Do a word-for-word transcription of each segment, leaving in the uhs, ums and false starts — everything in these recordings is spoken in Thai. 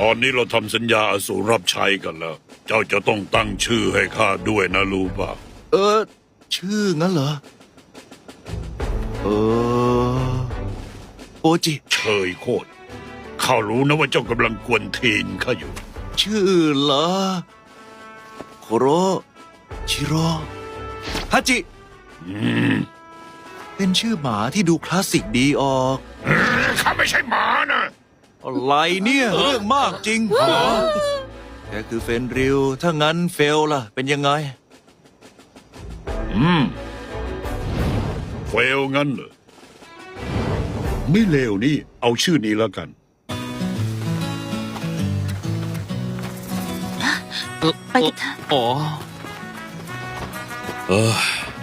ตอนนี้เราทำสัญญาอสูรรับใช้กันแล้ว เจ้าจะต้องตั้งชื่อให้ข้าด้วยนะรู้ป่ะเออ ชื่องั้นเหรอ เออโอจิเชยโคตรข้ารู้นะว่าเจ้ากำลังกวนทีนข้าอยู่ชื่อเหรอโคโรชิโร่ฮาจิอืมเป็นชื่อหมาที่ดูคลาสสิกดีออกข้าไม่ใช่หมานะอะไรเนี่ยเรื่องมากจริงเหรอแกคือเฟนริวถ้างั้นเฟลล่ะ เป็นยังไงอืมเฟลงั้นเหรอไม่เลวนี่เอาชื่อนี้แล้วกันไปกันเถอะอ๋อเออ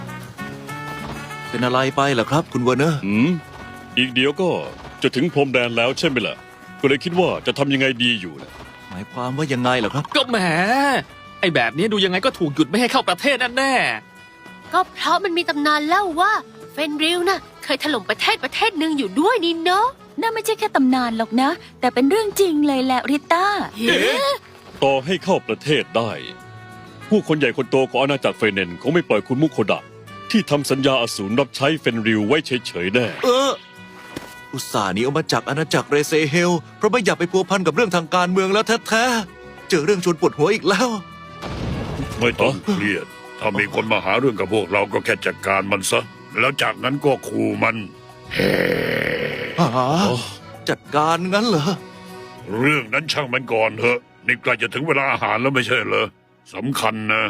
เป็นอะไรไปเหรอครับ คุณเวอร์เนอร์หืมอีกเดียวก็จะถึงพรมแดนแล้วใช่ไหมล่ะ ก็เลยคิดว่าจะทำยังไงดีอยู่นะหมายความว่ายังไงเหรอครับก็แหมไอ้แบบนี้ดูยังไงก็ถูกหยุดไม่ให้เข้าประเทศแน่ก็เพราะมันมีตำนานเล่าว่าเฟนริลน่ะเคยถล่มประเทศประเทศหนึ่งอยู่ด้วยนี่เนาะน่าไม่ใช่แค่ตำนานหรอกนะ แต่เป็นเรื่องจริงเลยแหละริต้าเอ๊ะต่อให้เข้าประเทศได้ ผู้คนใหญ่คนโตของอาณาจักรเฟเนนคงไม่ปล่อยคุณมุโคดะที่ทำสัญญาอสูรรับใช้เฟนริวไว้เฉยๆแน่เออ อุตส่าห์หนีออกมาจากอาณาจักรเรเซเฮลเพราะไม่อยากไปพัวพันกับเรื่องทางการเมืองแล้วแท้ๆเจอเรื่องชวนปวดหัวอีกแล้วไม่ต้องเครียด ถ้ามีคนมาหาเรื่องกับพวกเราก็แค่จัดการมันซะ แล้วจากนั้นก็ขู่มันเฮ้หาจัดการงั้นเหรอเรื่องนั้นช่างมันก่อนเถอะ นี่ใกล้จะถึงเวลาอาหารแล้วไม่ใช่เหรอสำคัญนะ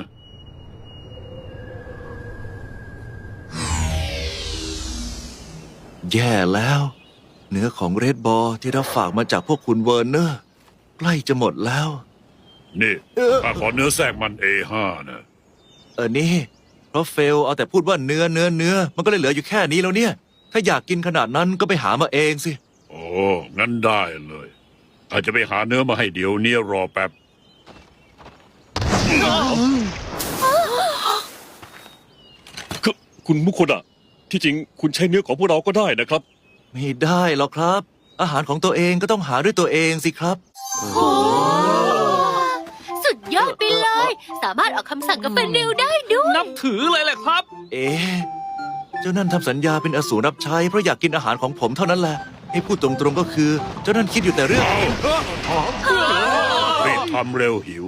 แย่แล้ว เนื้อของเรดบอลที่รับฝากมาจากพวกคุณเวอร์เนอร์ ใกล้จะหมดแล้วนี่เออข้าขอเนื้อแทรกมัน เอ ห้า นะเออนี่ เพราะเฟลเอาแต่พูดว่าเนื้อเนื้อเนื้อมันก็เลยเหลืออยู่แค่นี้แล้วเนี่ย ถ้าอยากกินขนาดนั้นก็ไปหามาเองสิโอ้ งั้นได้เลยอาจจะไปหาเนื้อมาให้เดี๋ยวนี้รอแป๊บคือคุณมุโคดะที่จริงคุณใช้เนื้อของพวกเราก็ได้นะครับไม่ได้หรอกครับ อาหารของตัวเองก็ต้องหาด้วยตัวเองสิครับสุดยอดไปเลย สามารถออกคำสั่งกับเฟนริลได้ด้วๆยนับถือเลยแหละครับเอ๊ะเจ้านั่นทำสัญญาเป็นอสูรรับใช้เพราะอยากกินอาหารของผมเท่านั้นแหละ ให้พูดตรงๆก็คือ เจ้านั่นคิดอยู่แต่เรื่องรีบทำเร็วหิว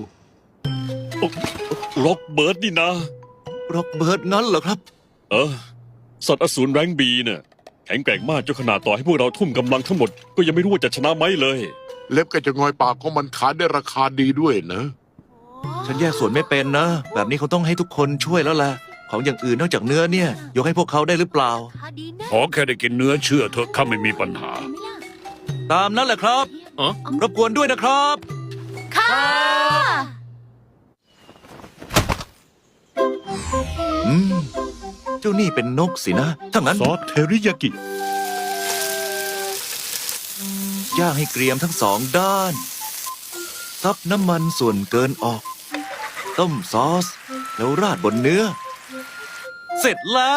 ร็อกเบิร์ดนี่นะร็อกเบิร์ดงั้นเหรอครับเออ สัตว์อสูรแรงบีเนี่ยแข็งแกร่งมากจนขนาดต่อให้พวกเราทุ่มกำลังทั้งหมด ก็ยังไม่รู้ว่าจะชนะไหมเลยเล็บกับจะงอยปากของมันขายได้ราคาดีด้วยนะฉันแยกส่วนไม่เป็นนะ แบบนี้เขาต้องให้ทุกคนช่วยแล้วแหละ ของอย่างอื่นนอกจากเนื้อเนี่ย ยกให้พวกเขาได้หรือเปล่าพอดีนะขอแค่ได้กินเนื้อเชื่อเถอะข้าไม่มีปัญหาตามนั้นแหละครับอ๋อรบกวนด้วยนะครับค่ะอืม เจ้านี่เป็นนกสินะ ถ้างั้นซอสเทริยากิย่างให้เกรียมทั้งสองด้าน ซับน้ำมันส่วนเกินออก ต้มซอส แล้วราดบนเนื้อ เสร็จแล้ว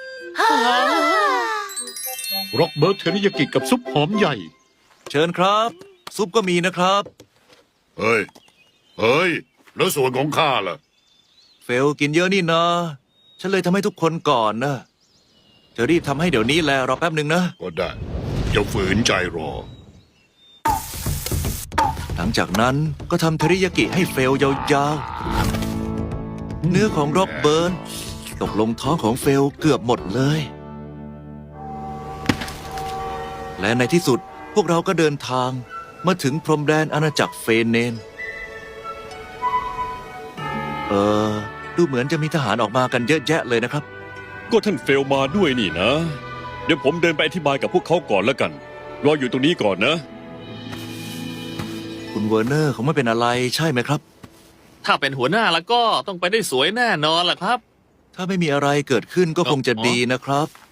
ร็อกเบิร์ตเทริยากิกับซุปหอมใหญ่เชิญครับ ซุปก็มีนะครับเฮ้ย เฮ้ย แล้วส่วนของข้าล่ะเฟลกินเยอะนี่นะ ฉันเลยทำให้ทุกคนก่อนนะจะรีบทำให้เดี๋ยวนี้แลรอแป๊บหนึ่งนะก็ได้อย่าฝืนใจรอหลังจากนั้นก็ทำเทริยากิให้เฟลยาวๆ เนื้อของร็อกเบิร์นตกลงท้องของเฟลเกือบหมดเลย และในที่สุดพวกเราก็เดินทางมาถึงพรมแดนอาณาจักรเฟเนน เออ ดูเหมือนจะมีทหารออกมากันเยอะแยะเลยนะครับก็ท่านเฟลมาด้วยนี่นะ เดี๋ยวผมเดินไปอธิบายกับพวกเขาก่อนแล้วกัน รออยู่ตรงนี้ก่อนนะคุณเวอร์เนอร์เขาไม่เป็นอะไรใช่ไหมครับถ้าเป็นหัวหน้าแล้วก็ต้องไปได้สวยแน่นอนล่ะครับถ้าไม่มีอะไรเกิดขึ้นก็คงจะดีนะครับ